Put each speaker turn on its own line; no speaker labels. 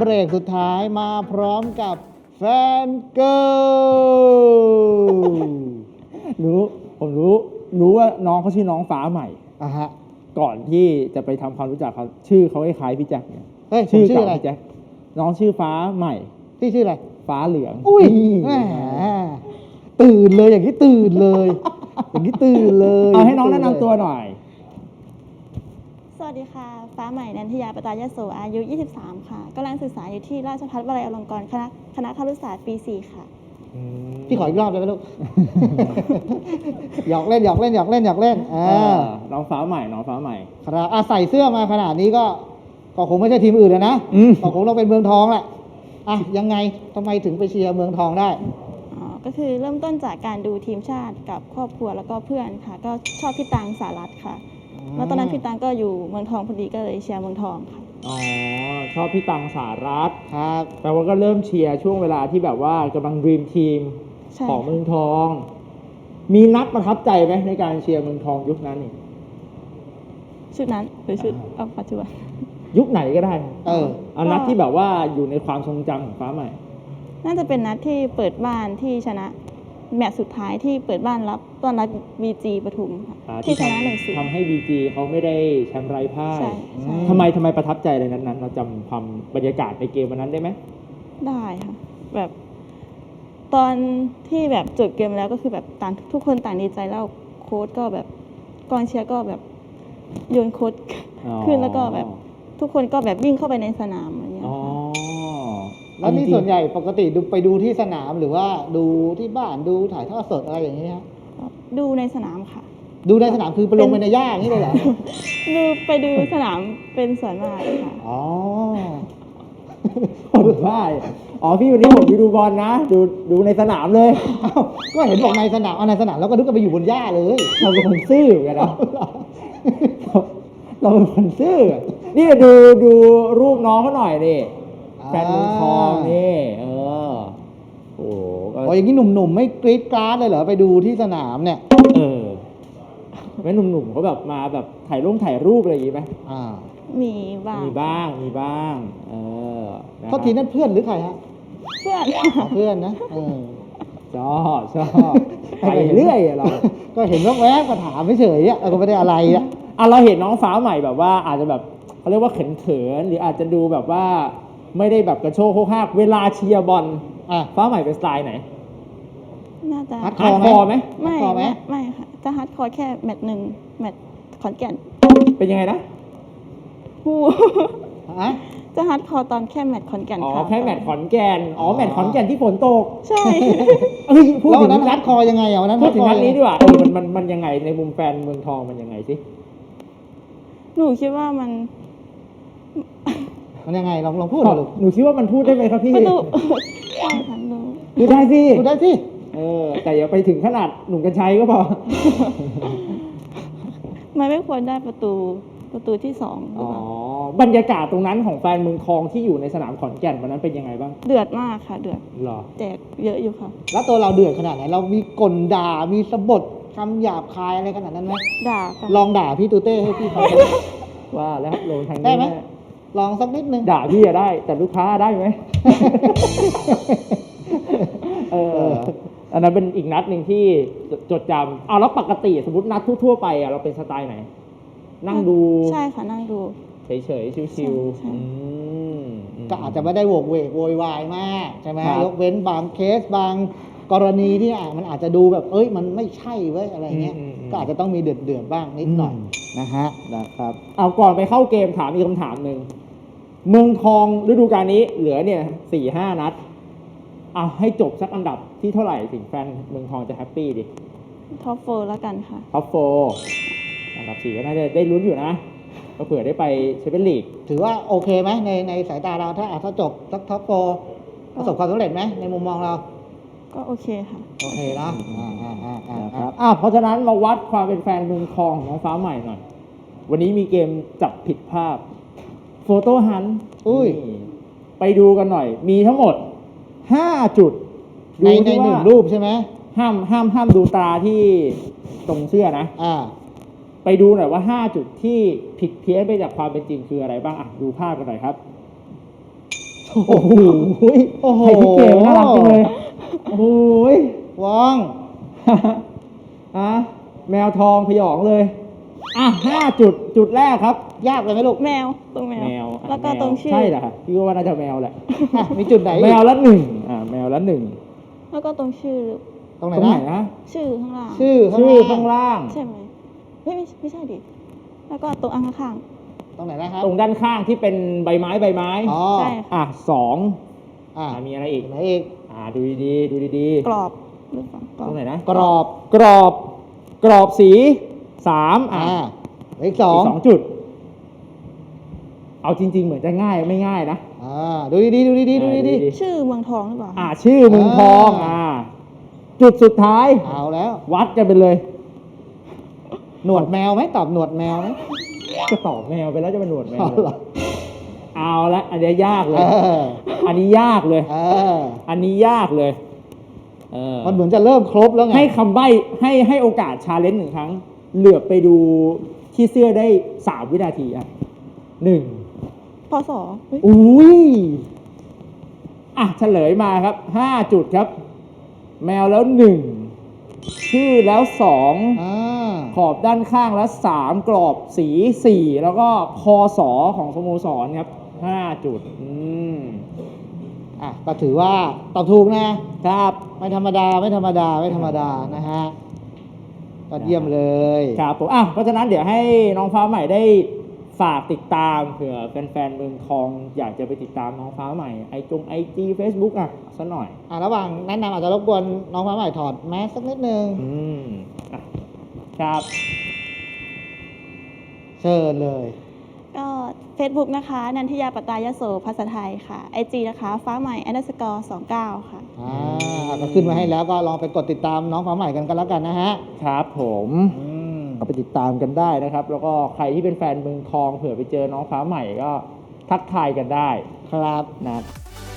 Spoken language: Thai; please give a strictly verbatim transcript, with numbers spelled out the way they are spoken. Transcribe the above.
เบรกสุดท้ายมาพร้อมกับแฟนเกิร์ล
รู้ผมรู้รู้ว่าน้องเขาชื่อน้องฟ้าใหม่
อ่ะฮะ
ก่อนที่จะไปทำความรู้จักเขาชื่อเขาคล้ายๆพี่แจ็คเนี่ย
เฮ้ย
ชื่อ
ชื่ออะไร
พี่แจ็คน้องชื่อฟ้าใหม่
ที่ชื่ออะไร
ฟ้าเหลือง
อุ้ยแหมตื่นเลยอย่างนี้ตื่นเลย อย่างนี้ตื่นเลย
เอาให้น้องแนะนำตัวหน่อย
สวัสดีค่ะฟ้าใหม่นันทยาปตายโสอายุยี่สิบสามค่ะกำลังศึกษาอยู่ที่ราชภัฏวลัยอลงกรณ์คณะคณะครุศาสตร์ปีสี่ค่ะ
พี่ขออีกรอบได้ไหมลูก หยอกเล่นหยอกเล่นหยอกเล่นหยอกเล่นอ่า
น้องฟ้าใหม่น้องฟ้าใหม่
ครับอ่ะใส่เสื้อมาขนาดนี้ก็ก็คงไม่ใช่ทีมอื่นแล้วนะก็คงเราเป็นเมืองทองแหละอ่ะยังไงทำไมถึงไปเชียร์เมืองทองได้
อ๋อก็คือเริ่มต้นจากการดูทีมชาติกับครอบครัวแล้วก็เพื่อนค่ะก็ชอบพี่ตังสารัตน์ค่ะแล้วตอนนั้นพี่ตังก็อยู่เมืองทองพอดีก็เลยเชียร์เมืองทองค่ะ
อ๋อชอบพี่ตังสารัตน์
ครับ
แต่ว่าก็เริ่มเชียร์ช่วงเวลาที่แบบว่ากำลังดรีมทีมของเมืองทองมีนัดประทับใจไหมในการเชียร์เมืองทองยุคนั้นนี่
ชุดนั้นหรือชุดเอาปัจจุบัน
ยุคไหนก็ได้
เออ
เอานัดที่แบบว่าอยู่ในความทรงจำของฟ้าใหม่
น่าจะเป็นนัดที่เปิดบ้านที่ชนะแมตช์สุดท้ายที่เปิดบ้านรับต้อนรับ บี จี ปทุมค่ะที่ชนะ หนึ่งศูนย์
ทำให้ บี จี เขาไม่ได้แชมป์ไร้พ่ายทำไมทำไมประทับใจอะไรนั้นๆเราจำความบรรยากาศในเกมวันนั้นได้ไหม
ได้ค่ะแบบตอนที่แบบจบเกมแล้วก็คือแบบต่างทุกคนต่างดีใจแล้วโค้ชก็แบบกองเชียร์ก็แบบโยนโค้ชขึ้นแล้วก็แบบทุกคนก็แบบวิ่งเข้าไปในสนามอะไรอย่างเงี้ย
แล้วนี่ส่วนใหญ่ปกติดูไปดูที่สนามหรือว่าดูที่บ้านดูถ่ายทอดสดอะไรอย่างนี้ฮะ
ดูในสนามค่ะ
ดูในสนามคือไปลงไปในหญ้าอย่างนี้เลยเหรอ
ดูไปดูสนามเป็นส่วนมากค่ะ
อ๋อ
คนบ้าอ๋อพี่วันนี้ผมไปดูบอลนะดูดูในสนามเลย
ก็เห็นบอกในสนามเอาในสนามแล้วก็นึกว่าไปอยู่บนหญ้าเลย
เราเป็นคนซื่อกันนะเราเป็นคนซื่อนี่ดูดูรูปน้องเขาหน่อยดิแฟนเมืองทองนี่เออโอ้
โหอย่างนี้หนุ่มๆไม่กรี๊ดกราดเลยเหรอไปดูที่สนามเนี่ย
เออแม่หนุ่มๆเขาแบบมาแบบถ่ายรูปถ่ายรูปอะไรอย่างงี้ไหม
อ่า
มีบ้าง
มีบ้างมีบ้างเออ
เขาทีนั้นเพื่อนหรือใครฮะ
เพื่อน
เพื่อนนะเออ
ชอบชอบไปเรื่อยเรา
ก็เห็นว่าแวบมาถามไม่เฉยอ่ะเราก็ไม่ได้อะไรอ่ะ
อ่ะเราเห็นน้องฟ้าใหม่แบบว่าอาจจะแบบเขาเรียกว่าเขินๆหรืออาจจะดูแบบว่าไม่ได้แบบกระโชกโคกหักเวลาเชียร์บอลฟ้าใหม่เป็นสไตล์ไหน
น่าจะ
ฮาร์ดคอร์ไหม
ไม่ไม่ค่ะจะฮาร์ดคอร์แค่แมตช์หนึ่งแมตช์ขอนแก่น
เป็นยังไงนะ
ฮู้จะฮาร์ดคอร์ตอนแค่แมตช์ขอนแก่น
อ๋อ
ค่ะ
แค่แมตช์ขอนแก่นอ๋อแมตช์ขอนแก่นที่ฝนตก
ใช่
เอ้ยพูดถึง
นัดฮาร์ดคอร์ยังไงอ่ะวันนั้น
พูดถึงนัดนี้ดีกว่าเออมันมันมันยังไงในมุมแฟนเมืองทองมันยังไงสิ
หนูคิดว่ามัน
มันยังไงลองลองพูดหน่อยลูก
หนูคิดว่ามันพูดได้ไหมครับพี่
ประตูใช่ค่ะหนู
พูดได้สิ
พูดได้สิ
เออแต่อย่าไปถึงขนาดหนุ่มกระชัยก็พอ
มันไม่ควรได้ประตูประตูที่สอง
อ๋อบรรยากาศตรงนั้นของแฟนเมืองทองที่อยู่ในสนามขอนแก่นวันนั้นเป็นยังไงบ้าง
เดือดมากค่ะเดือด
หรอ
แจกเยอะอยู่ค่ะ
แล้วตัวเราเดือดขนาดไหนเรามีกลด่ามีสะบดคำหยาบคายอะไรขนาดนั้นไหม
ด่า
ลองด่าพี่ตูเต้ให้พี่ฟัง
ว่าแล้วลงทางนี้
ได้ไหมลองสักนิดนึง
ด่าพี่อะได้แต่ลูกค้าได้ไหมเอออันนั้นเป็นอีกนัดหนึ่งที่จดจำเอาแล้วปกติสมมตินัดทั่วๆไปอะเราเป็นสไตล์ไหนนั่งดู
ใช่ค่ะนั่งดู
เฉยๆชิว
ๆก็อาจจะไม่ได้โวกเวกโวยวายมากใช่ไหมยกเว้นบางเคสบางกรณีที่มันอาจจะดูแบบเอ้ยมันไม่ใช่เว้ยอะไรเงี้ยก็อาจจะต้องมีเดือดเดือดบ้างนิดหน่อยนะฮะ
นะครับเอาก่อนไปเข้าเกมถามอีกคำถามหนึ่งเมืองทองฤดูกาลนี้เหลือเนี่ยสี่ห้านัดเอาให้จบสักอันดับที่เท่าไหร่ถึงแฟนเมืองทองจะแฮปปี้ดิ
ท็อปโฟร์แล้วกันค่ะ
ท็อปโฟร์อันดับสี่ก็น่าจะได้ลุ้นอยู่นะก็เผื่อได้ไปแชมเปี้ยนลีก
ถือว่าโอเคไหมในในสายตาเราถ้าถ้าจบสักท็อปโฟร์ประสบความสำเร็จไหมในมุมมองเรา
ก็โอเคค่ะ
โอเคนะอ่าอ่าอ่าอ่า
ครับอ่าเพราะฉะนั้นมาวัดความเป็นแฟนเมืองทองของน้องฟ้าใหม่หน่อยวันนี้มีเกมจับผิดภาพโฟโต้ฮันต์
อุ้ย
ไปดูกันหน่อยมีทั้งหมดห้าจุด
ในในหนึ่งรูปใช่ไหม
ห้ามห้ามห้ามดูตาที่ตรงเสื้อนะ
อ่า
ไปดูหน่อยว่าห้าจุดที่ผิดเพี้ยนไปจากความเป็นจริงคืออะไรบ้างอ่ะดูภาพกันหน่อยครับโอ้โห
โอ้โห
ไอ้ที่เกมน่ารักจังเลยโอ้โห
ว่อง
อ่ะแมวทองพยองเลย อ่ะห้าจุดจุดแรกครับ
ยากเลยไหมลูก
แมวตรงแมว
แมวอ่ะ
แล้วก็
ม
ตรงชื่อ
ใช่เหรอครับพี่ว่าน่าจะแมวแหละ
อ่ะมีจุดไหนอีก
แมวละหนึ่งอ่าแมวละหนึ่ง
แล้วก็ตรงชื่อ
ตรงไหน
ตรงไหน
นะ
นะ
ชื่อข้างล่าง
ชื่อข้าง
ชื่อ
ล่าง
ข้างล่าง
ใช่ไหมเฮ้ยไม่ไม่ใช่ดิแล้วก็ตรงอังข้าง
ตรงไหนนะครับ
ตรงด้านข้างที่เป็นใบไม้ใบไม้
อ๋อ
ๆใช่ค่ะ
อ่ะสอง
อ่ะ
อ่ะมีอะไรอีก
ตรงไหนอีก
อ่าดูดีๆดูดี
กรอบหรือเปล่าก
ๆ
รอ
ต
บ
รงไหนนะ
กรอบ
กรอบ กรอบสีสามอ่ะ
อ่าเลขสอง
กสองจุด เอาจริง ๆ เหมือนจะง่ายไม่ง่ายนะ
อ่าดูดีๆดูดีๆดู
เออ
ดี
ดี
ชื่อเมืองทองหรือเปล่า
อ่าชื่อเมืองทอง
อ่า
อ่า จุดสุดท้าย
ๆเอาแล้ว
วัดกันไปเลย
หนวดแมวไหมตอบหนวดแมวไหม
ก็ตอบแมวไปแล้วจะเป็นหนวดแมว
เอาเหรอ
เอาละอันนี้ยากเล
เอย อ
อันนี้ยากเลย
เออ
อันนี้ยากเลยเออ
มันเหมือนจะเริ่มครบแล้วไง
ให้คำใบ้ให้ให้โอกาสชาเลนจ์หนึ่งครั้ง เหลือบไปดูที่เสื้อได้สามวินาทีอ่ะหนึ่ง
พศเฮ้ย
อุ้ยอ่ะเฉลยมาครับห้าจุดครับ แมวแล้วหนึ่งชื่อแล้วสอง
อ่า
ขอบด้านข้างแล้วสามกรอบสีสี่แล้วก็คอสอของสโมสรครับห้าจุดอืม
อ่ะก็ถือว่าตอบถูกนะครับ ไม่ธรรมดาไม่ธรรมดาไม่ธรรมดานะฮะก็เยี่ยมเลย
ครับผมอ่ะเพราะฉะนั้นเดี๋ยวให้น้องฟ้าใหม่ได้ฝากติดตามเผื่อแฟนๆเมืองทองอยากจะไปติดตามน้องฟ้าใหม่ไอจงไอจีเฟซบุ๊กอ่ะสักหน่อย
อ่ะระหว่างแนะนำอาจจะรบกวนน้องฟ้าใหม่ถอดแมสสักนิดนึง
อืมอ่ะครับ
เชิญเลย
ก็ Facebook นะคะ นันทิยาปตายโสภาษาไทยค่ะ ไอจี นะคะ ฟ้าใหม่ underscore สองเก้าค่ะ
อ่าก็ขึ้นมาให้แล้วก็ลองไปกดติดตามน้องฟ้าใหม่กันกันแล้วกันนะฮะ
ครับผม
อืม
ก็ไปติดตามกันได้นะครับ แล้วก็ใครที่เป็นแฟนเมืองทองเผื่อไปเจอน้องฟ้าใหม่ก็ทักทายกันได้
ครับ
นะ